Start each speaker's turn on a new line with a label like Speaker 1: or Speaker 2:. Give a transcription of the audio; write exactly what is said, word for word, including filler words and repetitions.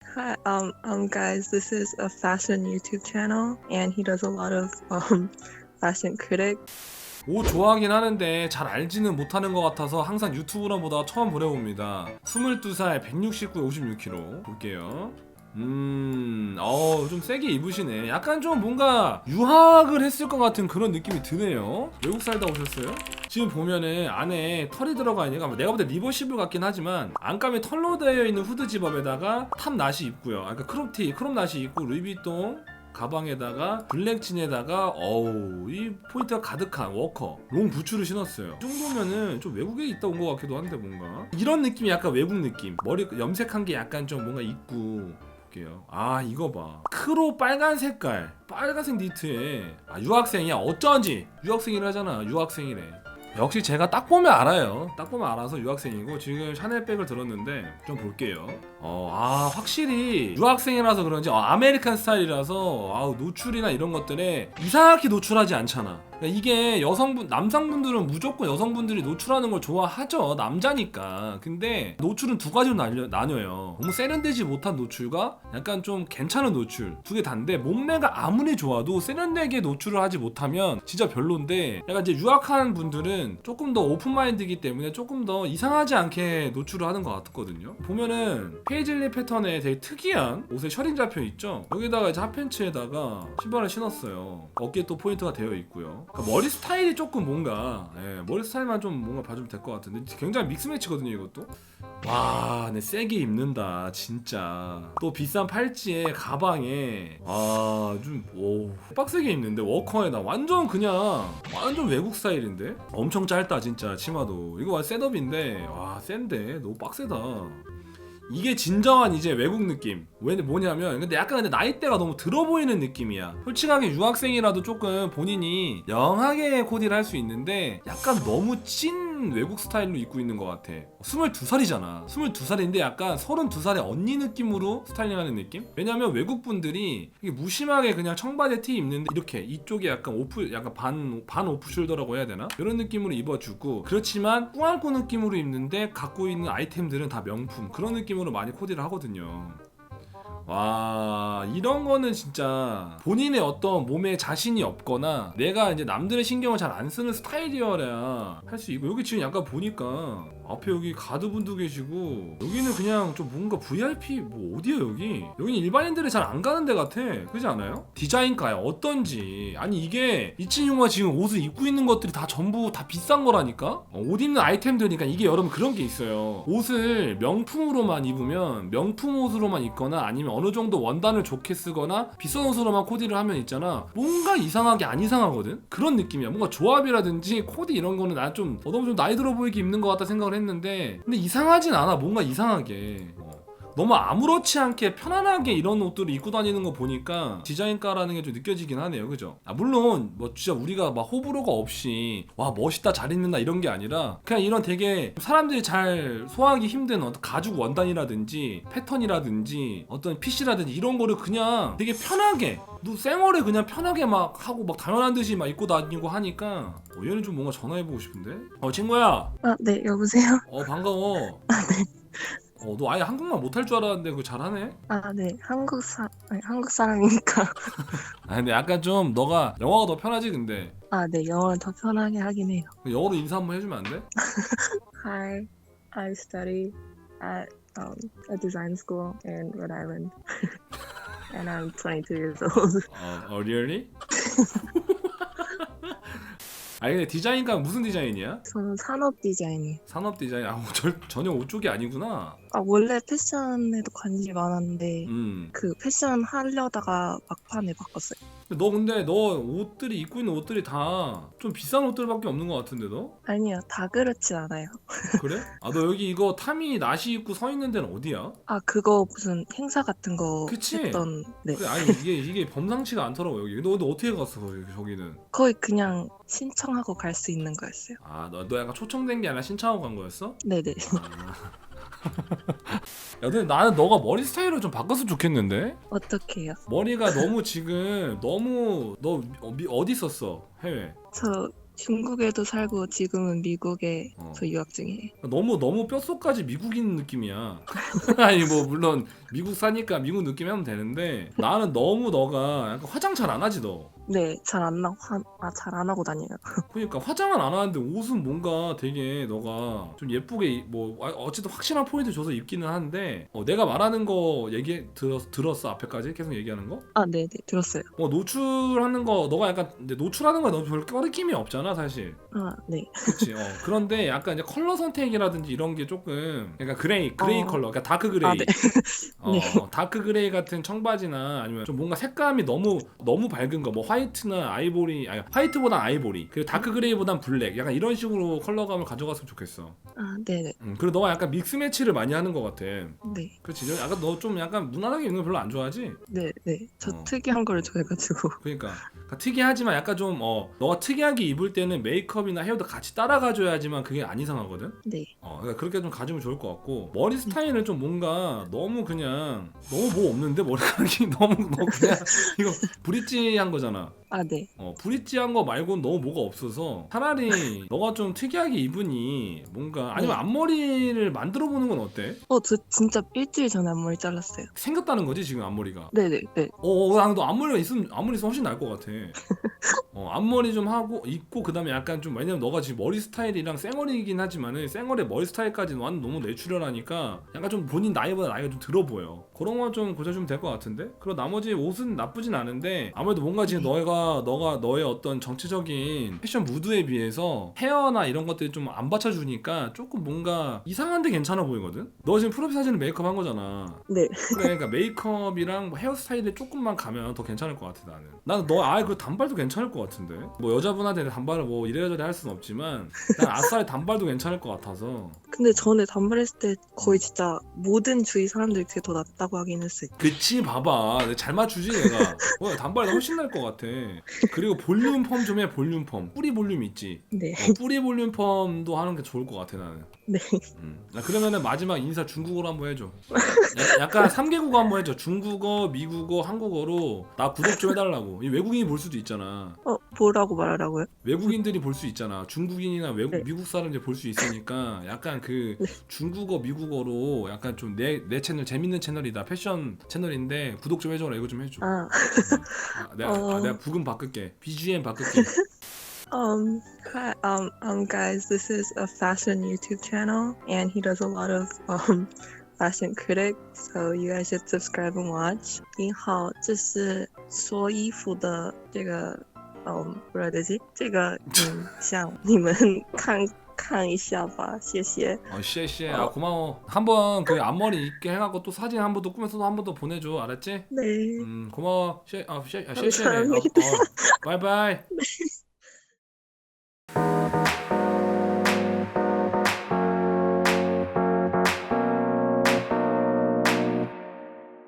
Speaker 1: Hi, um, um, guys, this is a fashion YouTube channel, and he does a lot of um, fashion critic.
Speaker 2: 옷 좋아하긴 하는데 잘 알지는 못하는 것 같아서 항상 유튜브나 보다 처음 보내봅니다. 스물두 살 백육십구 오십육 킬로그램 볼게요. 음, 어, 좀 세게 입으시네. 약간 좀 뭔가 유학을 했을 것 같은 그런 느낌이 드네요. 외국 살다 오셨어요? 지금 보면은 안에 털이 들어가 있는 거 내가 볼 때 리버시블 같긴 하지만 안감이 털로 되어 있는 후드 집업에다가 탑 나시 입고요. 아까 크롭티, 크롭 나시 입고 루이비통 가방에다가 블랙진에다가 어우 이 포인트가 가득한 워커 롱 부츠를 신었어요. 이 정도면은 좀 외국에 있다 온 것 같기도 한데 뭔가 이런 느낌이 약간 외국 느낌. 머리 염색한 게 약간 좀 뭔가 있고. 볼게요. 아 이거 봐 크로 빨간 색깔 빨간색 니트에 아 유학생이야. 어쩐지 유학생이라잖아. 유학생이래. 역시 제가 딱 보면 알아요. 딱 보면 알아서 유학생이고 지금 샤넬백을 들었는데 좀 볼게요. 어, 아 확실히 유학생이라서 그런지 어, 아메리칸 스타일이라서 아우 노출이나 이런 것들에 이상하게 노출하지 않잖아. 그러니까 이게 여성분 남성분들은 무조건 여성분들이 노출하는 걸 좋아하죠. 남자니까. 근데 노출은 두 가지로 나뉘, 나뉘어요. 너무 세련되지 못한 노출과 약간 좀 괜찮은 노출 두 개 다인데 몸매가 아무리 좋아도 세련되게 노출을 하지 못하면 진짜 별론데 약간 이제 유학한 분들은 조금 더 오픈마인드이기 때문에 조금 더 이상하지 않게 노출을 하는 것 같거든요. 보면은 페이즐리 패턴에 되게 특이한 옷에 셔링 잡혀 있죠. 여기다가 이제 핫팬츠에다가 신발을 신었어요. 어깨에 또 포인트가 되어 있고요. 그러니까 머리 스타일이 조금 뭔가 예, 머리 스타일만 좀 뭔가 봐주면 될 것 같은데 굉장히 믹스매치거든요 이것도. 와, 네 세게 입는다 진짜. 또 비싼 팔찌에 가방에 아좀오 빡세게 입는데 워커에다 완전 그냥 완전 외국 스타일인데 엄청 짧다 진짜 치마도. 이거 완전 셋업인데 와 센데 너무 빡세다. 이게 진정한 이제 외국 느낌. 왜 뭐냐면 근데 약간 근데 나이대가 너무 들어 보이는 느낌이야. 솔직하게 유학생이라도 조금 본인이 영하게 코디를 할 수 있는데 약간 너무 찐 외국 스타일로 입고 있는 것 같아. 스물두 살이잖아. 스물두 살인데 약간 서른두 살의 언니 느낌으로 스타일링하는 느낌? 왜냐면 외국 분들이 무심하게 그냥 청바지 티 입는데 이렇게 이쪽에 약간 오프 약간 반, 반 오프 숄더라고 해야 되나? 이런 느낌으로 입어주고 그렇지만 꾸안꾸 느낌으로 입는데 갖고 있는 아이템들은 다 명품 그런 느낌으로 많이 코디를 하거든요. 와 이런 거는 진짜 본인의 어떤 몸에 자신이 없거나 내가 이제 남들의 신경을 잘 안 쓰는 스타일이어야 할 수 있고 여기 지금 약간 보니까 앞에 여기 가드분도 계시고 여기는 그냥 좀 뭔가 브이아이피 뭐 어디야 여기 여기는 일반인들이 잘 안 가는 데 같아. 그렇지 않아요? 디자인가야 어떤지. 아니 이게 이치유가 지금 옷을 입고 있는 것들이 다 전부 다 비싼 거라니까. 어, 옷 입는 아이템들이니까 이게 여러분 그런 게 있어요. 옷을 명품으로만 입으면 명품 옷으로만 입거나 아니면 어느 정도 원단을 좋게 쓰거나 비싼 옷으로만 코디를 하면 있잖아 뭔가 이상하게 안 이상하거든. 그런 느낌이야. 뭔가 조합이라든지 코디 이런 거는 나 좀 너무 좀 나이 들어 보이게 입는 것 같다 생각을 했는데 근데 이상하진 않아. 뭔가 이상하게 어. 너무 아무렇지 않게 편안하게 이런 옷들을 입고 다니는 거 보니까 디자인가라는 게 좀 느껴지긴 하네요. 그죠? 아, 물론 뭐 진짜 우리가 막 호불호가 없이 와 멋있다 잘 입는다 이런 게 아니라 그냥 이런 되게 사람들이 잘 소화하기 힘든 어떤 가죽 원단이라든지 패턴이라든지 어떤 핏이라든지 이런 거를 그냥 되게 편하게 너 쌩얼에 그냥 편하게 막 하고 막 당연한 듯이 막 입고 다니고 하니까 어, 얘는 좀 뭔가 전화해보고 싶은데? 어 친구야.
Speaker 1: 아, 네, 여보세요?
Speaker 2: 어 반가워.
Speaker 1: 아, 네.
Speaker 2: 어, 너 아예 한국말 못할 줄 알았는데 그거 잘하네?
Speaker 1: 아, 네, 한국 사, 아니, 한국 사람이니까.
Speaker 2: 아 근데 약간 좀 너가 영어가 더 편하지 근데
Speaker 1: 아, 네, 영어를 더 편하게 하긴 해요.
Speaker 2: 영어로 인사 한번 해주면 안 돼?
Speaker 1: Hi, I study at um, a design school in Rhode Island, and I'm twenty-two years old.
Speaker 2: 어, 어 really? 아니 근데 디자인과 무슨 디자인이야?
Speaker 1: 저는 산업 디자인이에요.
Speaker 2: 산업 디자인. 아 저, 전혀 옷 쪽이 아니구나.
Speaker 1: 아, 원래 패션에도 관심이 많았는데,
Speaker 2: 음.
Speaker 1: 그 패션 하려다가 막판에 바꿨어요.
Speaker 2: 근데 너 근데 너 옷들이 입고 있는 옷들이 다 좀 비싼 옷들밖에 없는 것 같은데 너?
Speaker 1: 아니요, 다 그렇진 않아요.
Speaker 2: 그래? 아 너 여기 이거 타미 나시 입고 서 있는 데는 어디야?
Speaker 1: 아, 그거 무슨 행사 같은 거
Speaker 2: 그치?
Speaker 1: 했던, 네.
Speaker 2: 그래 아니 이게 이게 범상치가 않더라고 여기. 너 근데 어떻게 갔어 거기, 저기는?
Speaker 1: 거의 그냥 신청하고 갈 수 있는 거였어요.
Speaker 2: 아 너 너 약간 초청된 게 아니라 신청하고 간 거였어?
Speaker 1: 네네.
Speaker 2: 아. 야 근데 나는 너가 머리 스타일을 좀 바꿨으면 좋겠는데?
Speaker 1: 어떻게 해요?
Speaker 2: 머리가 너무 지금 너무 너 어, 미- 어디 있었어? 해외.
Speaker 1: 저 중국에도 살고 지금은 미국에서
Speaker 2: 어.
Speaker 1: 유학 중이에요.
Speaker 2: 너무 너무 뼛속까지 미국인 느낌이야. 아니 뭐 물론 미국 사니까 미국 느낌 하면 되는데 나는 너무 너가 약간 화장 잘 안 하지 너.
Speaker 1: 네, 잘 안 나, 화, 아, 잘 안 하고 다녀요.
Speaker 2: 그러니까 화장은 안 하는데 옷은 뭔가 되게 너가 좀 예쁘게 입- 뭐 아, 어쨌든 확실한 포인트 줘서 입기는 한데 어, 내가 말하는 거 얘기 들었, 들었어 앞에까지 계속 얘기하는 거?
Speaker 1: 아, 네, 네, 들었어요.
Speaker 2: 어 노출하는 거 너가 약간 근데 노출하는 거에 너무 별 꺼리낌이 없잖아 사실.
Speaker 1: 아, 네.
Speaker 2: 그렇지. 어. 그런데 약간 이제 컬러 선택이라든지 이런 게 조금 약간 그레이 그레이
Speaker 1: 어,
Speaker 2: 컬러, 그러니까 다크 그레이.
Speaker 1: 아, 네.
Speaker 2: 어,
Speaker 1: 네.
Speaker 2: 어, 다크 그레이 같은 청바지나 아니면 좀 뭔가 색감이 너무 너무 밝은 거, 뭐 화이트나 아이보리, 아니 화이트보단 아이보리, 그리고 다크 그레이보단 블랙, 약간 이런 식으로 컬러감을 가져갔으면 좋겠어.
Speaker 1: 아, 네, 네.
Speaker 2: 음, 그리고 너가 약간 믹스 매치를 많이 하는 것 같아.
Speaker 1: 네.
Speaker 2: 그렇지. 약간 너 좀 약간 무난하게 입는 거 별로 안 좋아하지?
Speaker 1: 네, 네. 저
Speaker 2: 어.
Speaker 1: 특이한 걸 좋아해가지고.
Speaker 2: 그러니까, 그러니까 특이하지만 약간 좀 어, 너가 특이하게 입을 때는 메이크업이나 헤어도 같이 따라가줘야지만 그게 안 이상하거든.
Speaker 1: 네.
Speaker 2: 어, 그러니까 그렇게 좀 가지면 좋을 것 같고 머리 스타일은 좀 뭔가 너무 그냥 너무 뭐 없는데 머리카락이 너무 너 그냥 이거 브릿지한 거잖아.
Speaker 1: 아, 네.
Speaker 2: 어, 브릿지한 거 말고는 너무 뭐가 없어서 차라리 너가 좀 특이하게 입으니 뭔가 아니면
Speaker 1: 네.
Speaker 2: 앞머리를 만들어 보는 건 어때?
Speaker 1: 어, 저 진짜 일주일 전에 앞머리 잘랐어요.
Speaker 2: 생겼다는 거지 지금 앞머리가.
Speaker 1: 네, 네, 네.
Speaker 2: 어, 어, 나도 앞머리가 있으면 앞머리 있으면 훨씬 나을 것 같아. 어, 앞머리 좀 하고 있고 그다음에 약간 좀 왜냐면 너가 지금 머리 스타일이랑 쌩얼이긴 하지만은 쌩얼의 머리 스타일까지는 완전 너무 내추럴하니까 약간 좀 본인 나이보다 나이가 좀 들어 보여. 그런 거 좀 고쳐주면 될 것 같은데. 그리고 나머지 옷은 나쁘진 않은데 아무래도 뭔가 지금
Speaker 1: 네.
Speaker 2: 너가 너가 너의 어떤 정치적인 패션 무드에 비해서 헤어나 이런 것들이 좀 안 받쳐주니까 조금 뭔가 이상한데 괜찮아 보이거든. 너 지금 프로필 사진은 메이크업 한 거잖아.
Speaker 1: 네.
Speaker 2: 그래, 그러니까 메이크업이랑 뭐 헤어스타일에 조금만 가면 더 괜찮을 것 같아 나는. 나는 너 아예 그 단발도 괜찮을 것 같은데. 뭐 여자분한테 단발을 뭐 이래저래 할 수는 없지만 난 아싸리 단발도 괜찮을 것 같아서.
Speaker 1: 근데 전에 단발했을 때 거의 진짜 모든 주위 사람들이 그게 더 낫다고 하긴 했어요.
Speaker 2: 그치 봐봐 내가 잘 맞추지 내가. 어, 단발이 훨씬 나을 것 같아. 그리고 볼륨 펌 좀 해. 볼륨 펌 뿌리 볼륨 있지.
Speaker 1: 네.
Speaker 2: 어, 뿌리 볼륨 펌도 하는 게 좋을 것 같아 나는.
Speaker 1: 네.
Speaker 2: 음. 나 그러면은 마지막 인사 중국어로 한번 해줘. 야- 약간 삼 개국어 한번 해줘. 중국어, 미국어, 한국어로 나 구독 좀 해달라고. 이 외국인이 볼 수도 있잖아.
Speaker 1: 어, 뭐라고 말하라고요?
Speaker 2: 외국인들이 볼 수 있잖아. 중국인이나 외국
Speaker 1: 네.
Speaker 2: 미국 사람들이 볼 수 있으니까 약간 그
Speaker 1: 네.
Speaker 2: 중국어, 미국어로 약간 좀 내 내 채널 재밌는 채널이다. 패션 채널인데 구독 좀 해줘라. 이거 좀 해줘.
Speaker 1: 아,
Speaker 2: 아, 내가
Speaker 1: 어.
Speaker 2: 아, 내가 부금 바꿀게. 비지엠 바꿀게.
Speaker 1: Um, hi, um, um, guys, this is a fashion YouTube channel, and he does a lot of um fashion critics, so you guys should subscribe and watch. 你好，这是说衣服的这个，嗯，不知道这是这个影像，你们看看一下吧，谢谢。
Speaker 2: 어, 씨씨. 아, 고마워. 한번 그 앞머리 있게 해갖고 또 사진 한 번 더 꾸며서 한 번 더 보내줘. 알았지?
Speaker 1: 네.
Speaker 2: 음, 고마워. 씨, 아, 씨, 아, 씨씨. 어,
Speaker 1: 감사합니다.
Speaker 2: 어, 바이바이.